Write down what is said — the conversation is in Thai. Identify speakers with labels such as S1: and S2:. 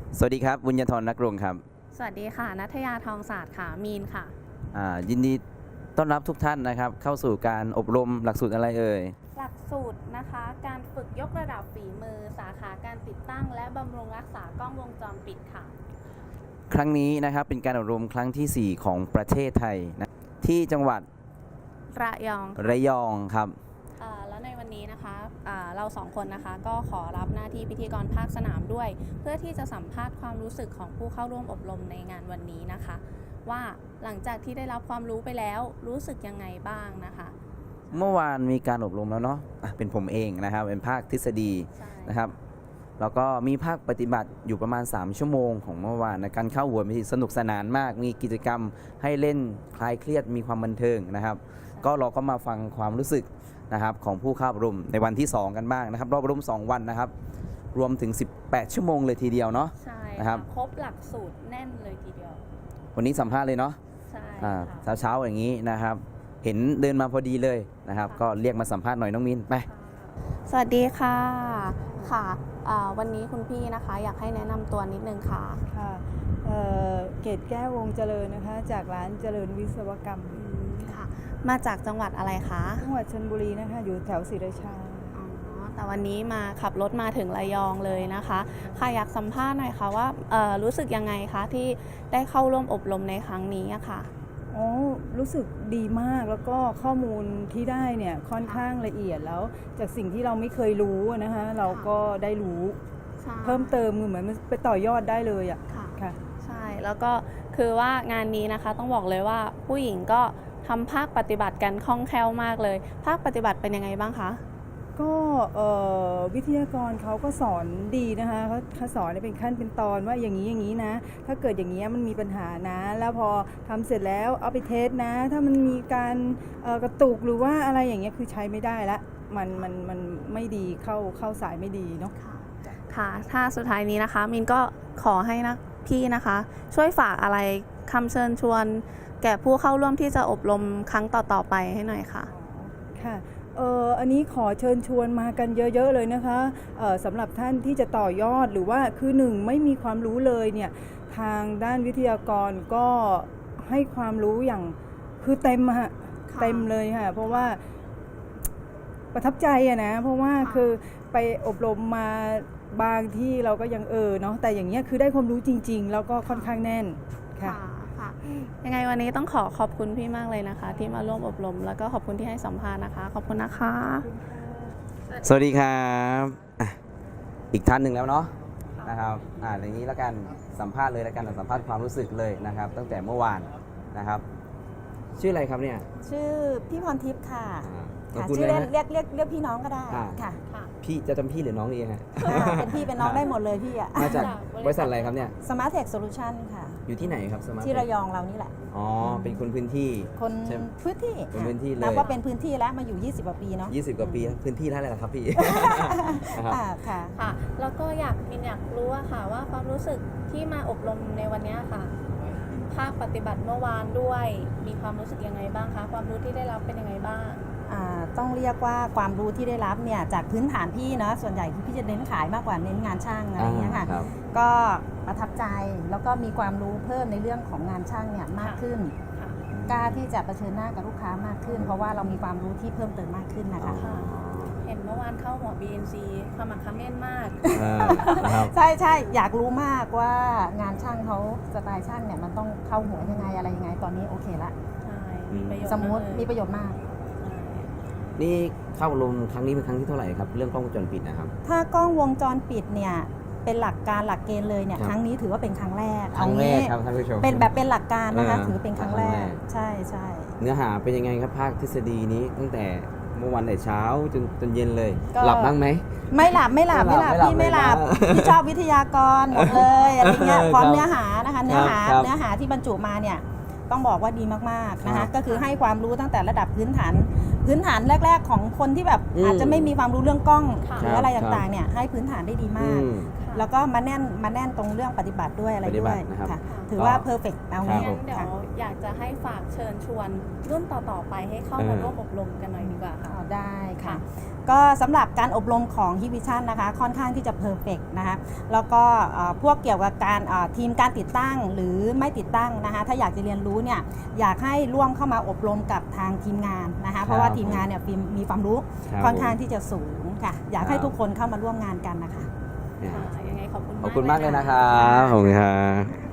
S1: สวัสดีครับบุญญธรนักรงครับ
S2: สวัสดีค่ะณัฐยาทองศาสตร์ค่ะมีนค่ะ
S1: ยินดีต้อนรับทุกท่านนะครับเข้าสู่การอบรมหลักสูตรอะไรเอ่ย
S2: หลักสูตรนะคะการฝึกยกระดับฝีมือสาขาการติดตั้งและบำรุงรักษากล้องวงจรปิดค่ะ
S1: ครั้งนี้นะครับเป็นการอบรมครั้งที่ 4 ของประเทศไทยนะที่จังหวัดระยองครับ
S2: แล้วในวันนี้นะคะเราสองคนนะคะก็ขอรับหน้าที่พิธีกรภาคสนามด้วยเพื่อที่จะสัมภาษณ์ความรู้สึกของผู้เข้าร่วมอบรมในงานวันนี้นะคะว่าหลังจากที่ได้รับความรู้ไปแล้วรู้สึกยังไงบ้างนะคะ
S1: เมื่อวานมีการอบรมแล้วเนาะเป็นผมเองนะครับเป็นภาคทฤษฎีนะครับแล้วก็มีภาคปฏิบัติอยู่ประมาณ3ชั่วโมงของเมื่อวานในการเข้าหัวมีสนุกสนานมากมีกิจกรรมให้เล่นคลายเครียดมีความบันเทิงนะครับก็เราก็มาฟังความรู้สึกนะครับของผู้เข้าอบรมในวันที่2กันบ้างนะครับรอบอบรม2วันนะครับรวมถึง18ชั่วโมงเลยทีเดียวเนาะ
S2: ใช่
S1: นะครับ
S2: ครบหลักสูตรแน่นเลยทีเดียว
S1: วันนี้สัมภาษณ์เลยเนาะ
S2: ใช่
S1: เช้าอย่างนี้นะครับเห็นเดินมาพอดีเลยนะครับก็เรียกมาสัมภาษณ์หน่อยน้องมินไป
S2: สวัสดีค่ะค่ะวันนี้คุณพี่นะคะอยากให้แนะนำตัวนิดนึงค่ะ
S3: ค่ะเกตแก้ววงเจริญนะคะจากร้านเจริญวิศวกรรม
S2: ค่ะมาจากจังหวัดอะไรคะ
S3: จังหวัดชลบุรีนะคะอยู่แถวศรีราชา
S2: แต่วันนี้มาขับรถมาถึงระยองเลยนะคะค่ะอยากสัมภาษณ์หน่อยค่ะว่ารู้สึกยังไงคะที่ได้เข้าร่วมอบรมในครั้งนี้ค่ะ
S3: รู้สึกดีมากแล้วก็ข้อมูลที่ได้เนี่ยค่อนข้างละเอียดแล้วจากสิ่งที่เราไม่เคยรู้นะคะเราก็ได้รู้เพิ่มเติมเหมือนมันไปต่อยอดได้เลยอ่ะ
S2: ค่ะใช่แล้วก็คือว่างานนี้นะคะต้องบอกเลยว่าผู้หญิงก็ทำภาคปฏิบัติกันคล่องแคล่วมากเลยภาคปฏิบัติเป็นยังไงบ้างคะ
S3: ก็วิทยากรเขาก็สอนดีนะคะเขาสอนเป็นขั้นเป็นตอนว่าอย่างนี้นะถ้าเกิดอย่างนี้มันมีปัญหานะแล้วพอทำเสร็จแล้วเอาไปเทสนะถ้ามันมีการกระตุกหรือว่าอะไรอย่างเงี้ยคือใช้ไม่ได้ละมันไม่ดีเข้าสายไม่ดีเนาะ
S2: ค่ะถ้าสุดท้ายนี้นะคะมินก็ขอให้นะพี่นะคะช่วยฝากอะไรคำเชิญชวนแก่ผู้เข้าร่วมที่จะอบรมครั้งต่อๆไปให้หน่อยค่ะ
S3: ค่ะอันนี้ขอเชิญชวนมากันเยอะๆเลยนะคะสำหรับท่านที่จะต่อยอดหรือว่าคือหนึ่งไม่มีความรู้เลยเนี่ยทางด้านวิทยากรก็ให้ความรู้อย่างคือเต็มฮะเต็มเลยค่ะเพราะว่าประทับใจอะนะเพราะว่าคือไปอบรมมาบางที่เราก็ยังเนาะแต่อย่างเงี้ยคือได้ความรู้จริงๆแล้วก็ค่อนข้างแน่นค่ะ
S2: ยังไงวันนี้ต้องขอบคุณพี่มากเลยนะคะที่มาร่วมอบรมแล้วก็ขอบคุณที่ให้สัมภาษณ์นะคะขอบคุณนะคะ
S1: สวัสดีครับอีกท่านหนึ่งแล้วเนาะนะครับอย่างนี้แล้วกันสัมภาษณ์เลยแล้วกันสัมภาษณ์ความรู้สึกเลยนะครับตั้งแต่เมื่อวานนะครับชื่ออะไรครับเนี่ย
S4: ชื่อพี่พรทิพย์ค่ะชื่อเล่นเรียกพี่น้องก็ได้ค่ะ
S1: พี่จะจำพี่หรือน้องดีฮะ
S4: เป็นพี่เป็นน้องได้หมดเลยพี่อ่ะ
S1: มาจากบริษัทอะไรครับเนี่ย
S4: Smart Tech Solution ค่ะ
S1: อยู่ที่ไหนครับ Smart
S4: ที่ระยองเรานี่แหละ
S1: เป็นคนพื้นที่
S4: คนพื้นที่
S1: เลย
S4: นับว่าเป็นพื้นที่แล้วมาอยู่20กว่าปีเนาะ
S1: 20กว่าปีพื้นที่เท่าไหร่ล่ะครับพี่
S2: ค่ะแล้วก็มินอยากรู้ค่ะว่าความรู้สึกที่มาอบรมในวันนี้ค่ะภาคปฏิบัติเมื่อวานด้วยมีความรู้สึกยังไงบ้างคะความรู้ที่ได้รับเป็นยังไงบ้าง
S4: ต้องเรียกว่าความรู้ที่ได้รับเนี่ยจากพื้นฐานพี่เนาะส่วนใหญ่คือพี่จะเน้นขายมากกว่าเน้นงานช่างอะไรอย่างเงี้ยค่ะก็ประทับใจแล้วก็มีความรู้เพิ่มในเรื่องของงานช่างเนี่ยมากขึ้นกล้าที่จะเผชิญหน้ากับลูกค้ามากขึ้นเพราะว่าเรามีความรู้ที่เพิ่มเติมมากขึ้นนะคะ
S2: เห็นเมื่อวานเข้าหัว BNC ขมักเขม้นมาก
S4: ใช่อยากรู้มากว่างานช่างเขาสไตล์ช่างเนี่ยมันต้องเข้าหัวยังไงอะไรยังไงตอนนี้โอเคละสมมุติมีประโยชน์มาก
S1: นี่เข้าลงครั้งนี้เป็นครั้งที่เท่าไหร่ครับเรื่องกล้องวงจรปิดนะครับ
S4: ถ้ากล้องวงจรปิดเนี่ยเป็นหลักเกณฑ์เลยเนี่ยครั้งนี้ถือว่าเป็นครั้งแรก
S1: ครับท่านผู้ชม
S4: เป็นหลักการนะคะถือเป็นครั้งแรกใช่
S1: เนื้อหาเป็นยังไงครับภาคทฤษฎีนี้ตั้งแต่เมื่อวันแต่เช้าจนเย็นเลยหลับบ้างไหม
S4: ไม่หลับพี่ไม่หลับพี่ชอบวิทยากรหมดเลยอะไรเงี้ยพร้อมเนื้อหานะคะเนื้อหาที่บรรจุมาเนี่ยต้องบอกว่าดีมากๆนะคะก็คือให้ความรู้ตั้งแต่ระดับพื้นฐานแรกๆของคนที่แบบอาจจะไม่มีความรู้เรื่องกล้องหรืออะไรต่างๆเนี่ยให้พื้นฐานได้ดีมากแล้วก็มาแน่นตรงเรื่องปฏิบัติด้วยอะไร
S1: ปฏิบั
S4: ด้
S1: ติ
S4: วย
S1: นะครับ
S4: ค่ะถือว่า
S1: ก็
S4: เพอร์เฟกต์เอา
S1: ครั
S4: งี้
S1: บผม
S2: งั้นเดี๋ยว
S4: ค่ะ
S2: อยากจะให้ฝากเชิญชวนรุ่นต่อๆไปให้เข้ามาร่วมอบรมกันหน่อยดีกว่าค่ะ
S4: เอาได้ค่ะ
S2: ค่ะ
S4: ก็สำหรับการอบรมของฮิวิชั่นนะคะค่อนข้างที่จะเพอร์เฟกนะคะแล้วก็พวกเกี่ยวกับการทีมการติดตั้งหรือไม่ติดตั้งนะคะถ้าอยากจะเรียนรู้เนี่ยอยากให้ร่วมเข้ามาอบรมกับทางทีมงานนะคะเพราะว่าทีมงานเนี่ยมีความรู้
S1: ครับ
S4: ค่อนข้างที่จะสูงค่ะอยากให้
S1: ครับ
S4: ทุกคนเข้ามาร่วมงานกันนะคะ
S1: เนี่ย
S2: ยังไงขอบคุณ
S1: ขอบคุณมากเลย
S2: นะ
S1: นะครับขอบคุณครับ